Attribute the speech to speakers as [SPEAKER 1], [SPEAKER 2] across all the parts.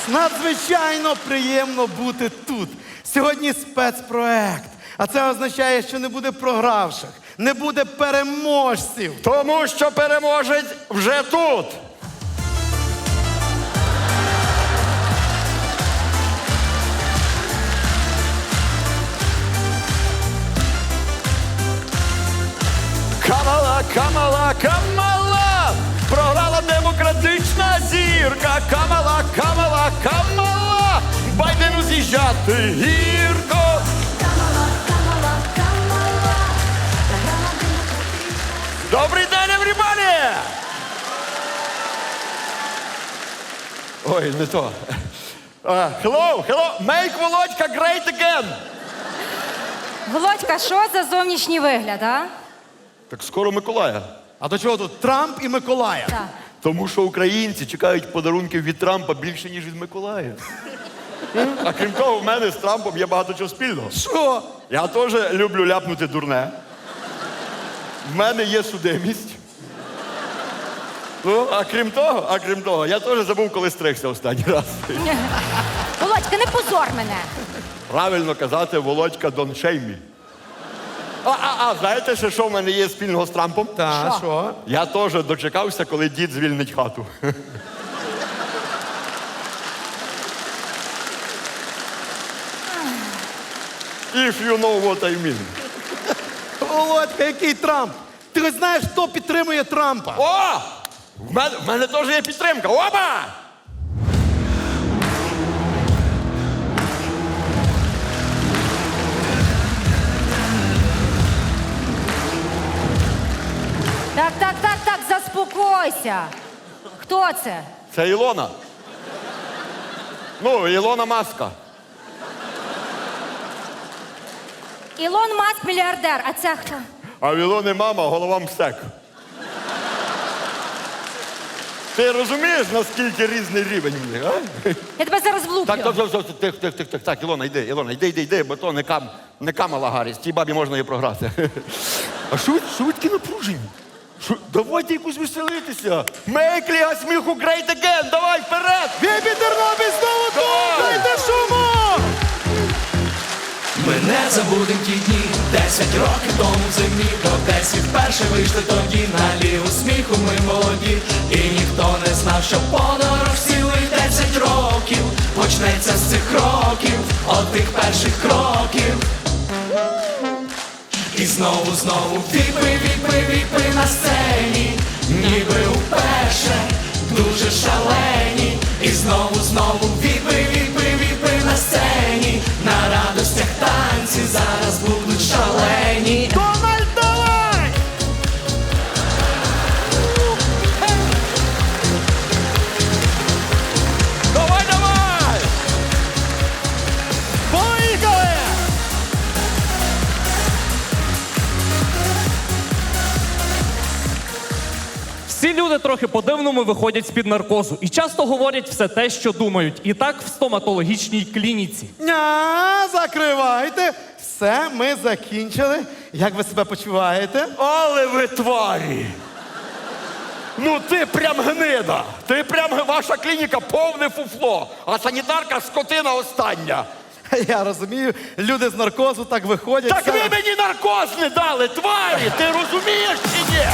[SPEAKER 1] Надзвичайно приємно бути тут. Сьогодні спецпроект. А це означає, що не буде програвших, не буде переможців.
[SPEAKER 2] Тому що переможець вже тут. Камала, Камала, Камала! Програла демократична зірка. Камала, Камала, Камала! Байдену з'їжджати гірко.
[SPEAKER 3] Камала, Камала, Камала. Програма демократична.
[SPEAKER 2] Добрий день, everybody! Ой, не то. Hello, hello, make Володька great again!
[SPEAKER 4] Володька, що за зовнішній вигляд, а?
[SPEAKER 2] Так скоро Миколая.
[SPEAKER 1] А до чого тут Трамп і Миколая?
[SPEAKER 4] Так.
[SPEAKER 2] Тому що українці чекають подарунків від Трампа більше, ніж від Миколая. А крім того, в мене з Трампом є багато чого спільного.
[SPEAKER 1] Що?
[SPEAKER 2] Я теж люблю ляпнути дурне. В мене є судимість. Ну, а крім того, я теж забув, коли стригся останній раз.
[SPEAKER 4] Володька, не позор мене.
[SPEAKER 2] Правильно казати, Володька don't shame me. Знаєте ще, що в мене є спільного з Трампом?
[SPEAKER 1] Та, що?
[SPEAKER 2] Я теж дочекався, коли дід звільнить хату. If you know what I mean.
[SPEAKER 1] Володька, який Трамп? Ти хоч знаєш, хто підтримує Трампа?
[SPEAKER 2] О! В мене теж є підтримка. Опа!
[SPEAKER 4] Так, заспокойся. Хто це?
[SPEAKER 2] Це Ілона. Ну, Ілона Маска.
[SPEAKER 4] Ілон Маск мільярдер, а це хто?
[SPEAKER 2] А в Ілони мама, голова МСЕК. Ти розумієш, наскільки різний рівень в них, а?
[SPEAKER 4] Я тебе зараз влуплю.
[SPEAKER 2] Так, Ілона, йди, бо то не Камала Гарріс, тій бабі можна її програти. А що ви такі напружені? Давайте якусь веселитися. Make Ліга сміху great again, давай, вперед!
[SPEAKER 1] Бібі Тернопіль знову тут!
[SPEAKER 2] Давай!
[SPEAKER 1] Дайте шуму!
[SPEAKER 5] Ми не забудем ті дні, 10 років тому в зимі, до 10 вперше вийшли тоді на лігу сміху ми молоді. І ніхто не знав, що подорож цілих 10 років почнеться з цих кроків, от тих перших кроків. І знову віпи на сцені, ніби уперше, дуже шалені. І знову віпи на сцені, на радостях танці зараз будуть шалені.
[SPEAKER 1] Дональд, давай!
[SPEAKER 2] Давай!
[SPEAKER 1] Поїхали!
[SPEAKER 6] Всі люди трохи по-дивному виходять з-під наркозу і часто говорять все те, що думають. І так в стоматологічній клініці.
[SPEAKER 1] Закривайте. Все, ми закінчили. Як ви себе почуваєте?
[SPEAKER 2] Але ви тварі! Ну ти прям гнида! Ваша клініка повне фуфло, а санітарка скотина остання.
[SPEAKER 1] Я розумію, люди з наркозу так виходять.
[SPEAKER 2] Так ви мені наркоз не дали, тварі! Ти розумієш чи ні?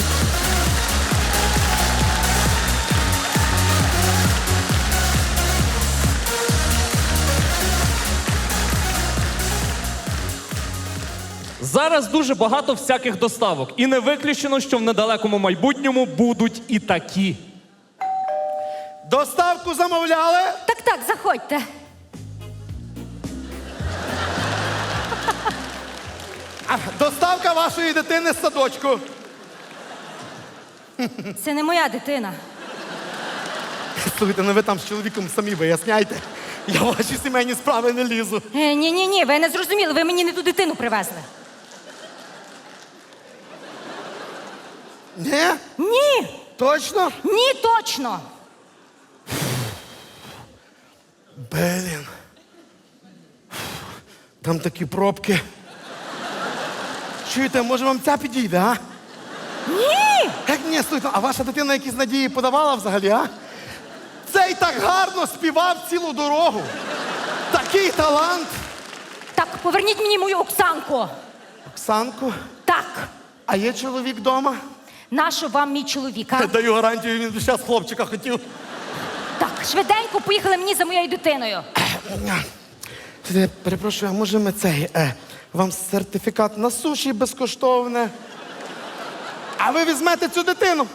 [SPEAKER 6] Зараз дуже багато всяких доставок. І не виключено, що в недалекому майбутньому будуть і такі.
[SPEAKER 1] Доставку замовляли?
[SPEAKER 4] Так, заходьте.
[SPEAKER 1] Доставка вашої дитини з садочку.
[SPEAKER 4] Це не моя дитина.
[SPEAKER 1] Слухайте, ну ви там з чоловіком самі виясняйте. Я в ваші сімейні справи не лізу.
[SPEAKER 4] Ні, ви не зрозуміли, ви мені не ту дитину привезли.
[SPEAKER 1] Ні?
[SPEAKER 4] Ні,
[SPEAKER 1] Точно?
[SPEAKER 4] ні, точно.
[SPEAKER 1] Блін. Там такі пробки. Чуєте, може вам ця підійде, а?
[SPEAKER 4] Ні!
[SPEAKER 1] Як ні, слухайте, а ваша дитина якісь надії подавала взагалі, а? Це цей так гарно співав цілу дорогу. Такий талант.
[SPEAKER 4] Так, поверніть мені мою Оксанку.
[SPEAKER 1] Оксанко,
[SPEAKER 4] Так,
[SPEAKER 1] а є чоловік вдома?
[SPEAKER 4] нащо вам мій чоловік, а?
[SPEAKER 1] Даю гарантію, він зараз хлопчика хотів.
[SPEAKER 4] Так, швиденько поїхали мені за моєю дитиною.
[SPEAKER 1] Перепрошую, а може ми вам сертифікат на суші безкоштовне? А ви візьмете цю дитину?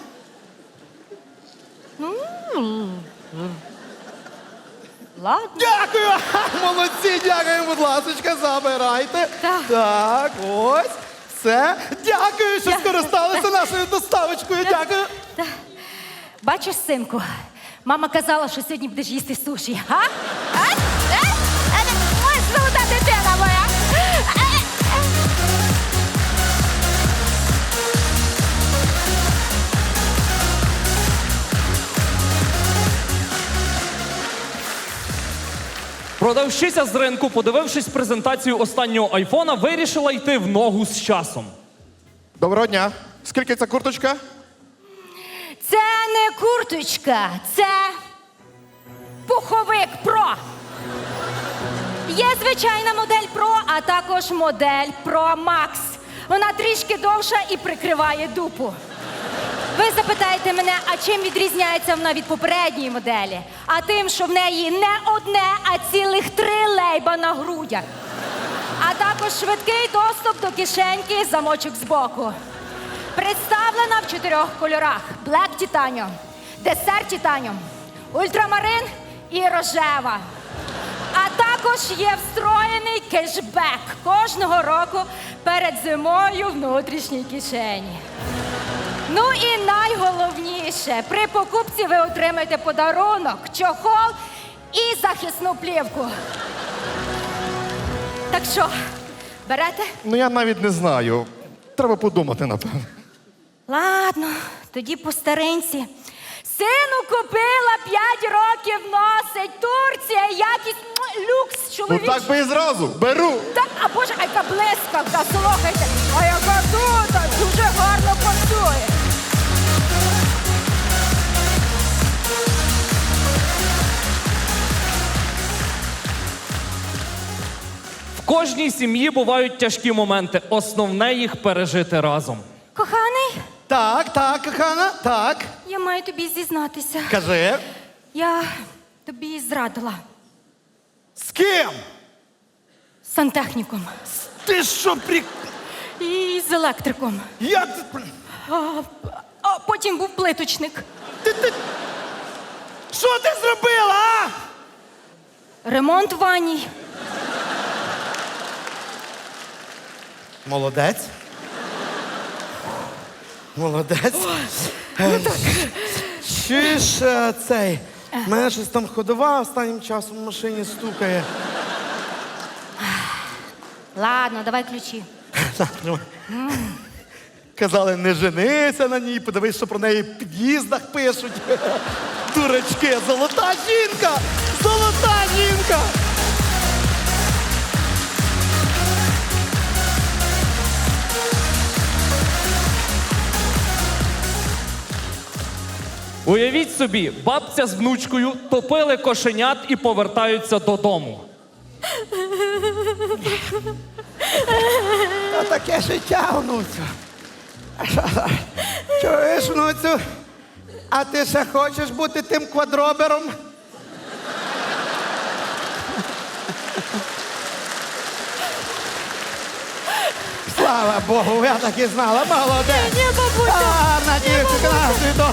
[SPEAKER 4] Ладно.
[SPEAKER 1] Дякую! Ха, молодці, дякую, будь ласка, забирайте.
[SPEAKER 4] Так.
[SPEAKER 1] Так, ось. Все. Дякую, що
[SPEAKER 4] Дякую.
[SPEAKER 1] скористалися нашою доставочкою. Дякую.
[SPEAKER 4] Бачиш, синку, мама казала, що сьогодні будеш їсти суші. А? Ось золота дитина моя.
[SPEAKER 6] Продавщиця з ринку, подивившись презентацію останнього айфона, вирішила йти в ногу з часом.
[SPEAKER 1] Доброго дня. Скільки ця курточка?
[SPEAKER 4] Це не курточка, це пуховик Про. Є звичайна модель Про, а також модель Pro Max. Вона трішки довша і прикриває дупу. Ви запитаєте мене, а чим відрізняється вона від попередньої моделі? А тим, що в неї не одне, а цілих 3 лейба на грудях. А також швидкий доступ до кишеньки, замочок збоку. Представлена в 4 кольорах: Black Titanium, Desert Titanium, Ультрамарин і рожева. А також є встроєний кешбек кожного року перед зимою в внутрішній кишені. Ну і найголовніше, при покупці ви отримаєте подарунок, чохол і захисну плівку. Так що, берете?
[SPEAKER 7] Ну я навіть не знаю. Треба подумати, напевно.
[SPEAKER 4] Ладно, тоді по старинці. Сину купила, 5 років носить. Турція, якість, люкс,
[SPEAKER 7] Ну
[SPEAKER 4] чоловічий.
[SPEAKER 7] так би і зразу. Беру.
[SPEAKER 4] Так, а боже, а яка блискавка, слухайте. А яка тут, дуже гарно працює.
[SPEAKER 6] В кожній сім'ї бувають тяжкі моменти. Основне їх пережити разом.
[SPEAKER 4] Коханий,
[SPEAKER 1] Так, кохана, так.
[SPEAKER 4] я маю тобі зізнатися.
[SPEAKER 1] Кажи.
[SPEAKER 4] Я тобі зрадила.
[SPEAKER 1] З ким?
[SPEAKER 4] З сантехніком.
[SPEAKER 1] Ти що,
[SPEAKER 4] І з електриком.
[SPEAKER 1] Як?
[SPEAKER 4] А потім був плиточник.
[SPEAKER 1] Що ти зробила, а?
[SPEAKER 4] Ремонт в ванній.
[SPEAKER 1] Молодець. Молодець. Чуєш, цей, в мене щось там ходова останнім часом в машині стукає.
[SPEAKER 4] Ладно, давай ключі.
[SPEAKER 1] Казали, не женися на ній, подивись, що про неї в під'їздах пишуть. Дурачки, золота жінка! Золота жінка!
[SPEAKER 6] Уявіть собі, бабця з внучкою топили кошенят і повертаються додому.
[SPEAKER 1] Та таке життя, внуцю. Чуєш, внуцю? А ти ще хочеш бути тим квадробером? Слава Богу, я так і знала. Молодець.
[SPEAKER 4] Ні, бабусю.
[SPEAKER 1] Гарна дівчинка, на світу.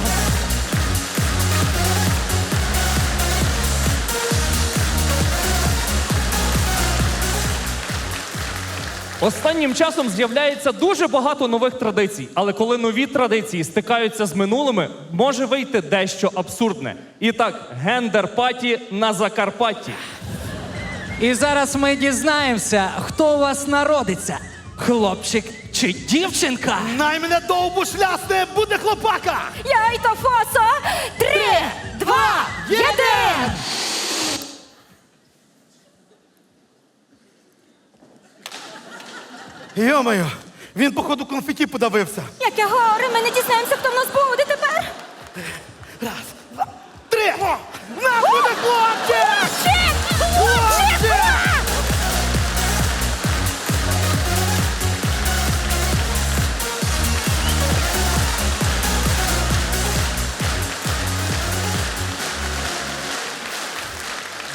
[SPEAKER 6] Останнім часом з'являється дуже багато нових традицій, але коли нові традиції стикаються з минулими, може вийти дещо абсурдне. І так, гендер-паті на Закарпатті.
[SPEAKER 8] І зараз ми дізнаємося, хто у вас народиться. Хлопчик чи дівчинка?
[SPEAKER 1] Най мене довбу шлясне, буде хлопака!
[SPEAKER 4] Яйто фосо! 3, 2, 1!
[SPEAKER 1] Йо-моє, він, походу, конфеті подавився.
[SPEAKER 4] Яке горе, ми не дізнаємося, хто в нас буде тепер.
[SPEAKER 1] Раз, два, три! На!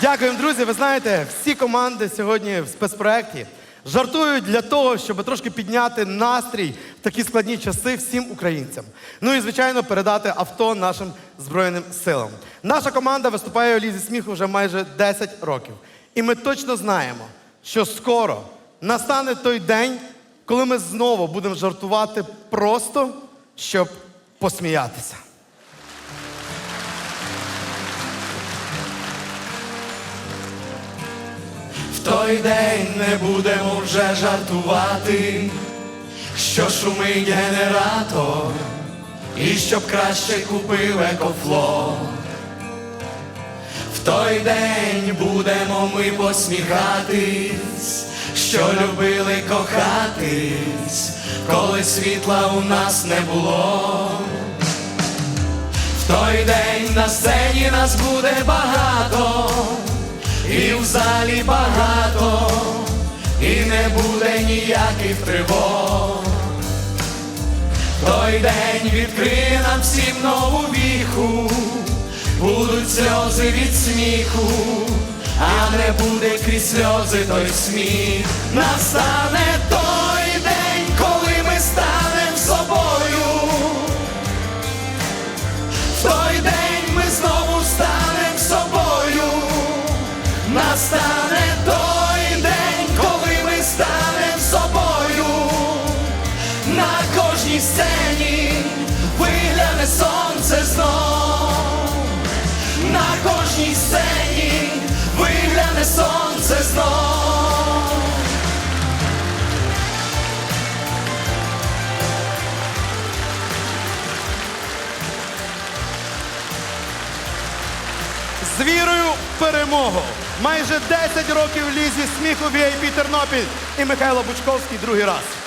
[SPEAKER 1] Дякуємо, друзі. Ви знаєте, всі команди сьогодні в спецпроекті жартують для того, щоб трошки підняти настрій в такі складні часи всім українцям. Ну і, звичайно, передати авто нашим Збройним силам. Наша команда виступає у Лізі сміху вже майже 10 років. І ми точно знаємо, що скоро настане той день, коли ми знову будемо жартувати просто, щоб посміятися.
[SPEAKER 5] В той день не будемо вже жартувати, що шумить генератор, і щоб краще купив екофло. В той день будемо ми посміхатись, що любили кохатись, коли світла у нас не було. В той день на сцені нас буде багато, і в залі багато, і не буде ніяких тривог. В той день відкриє нам всім нову віху, будуть сльози від сміху, а не буде крізь сльози той сміх. Настане той день, коли ми станем собою. В той день ми знову станем собою. Настане той день, коли ми станем собою. На кожній сцені вигляне сонце знов. На кожній сцені вигляне сонце знов.
[SPEAKER 1] З вірою в перемогу! Майже 10 років в Лізі сміху VIP Тернопіль і Михайло Бучковський другий раз.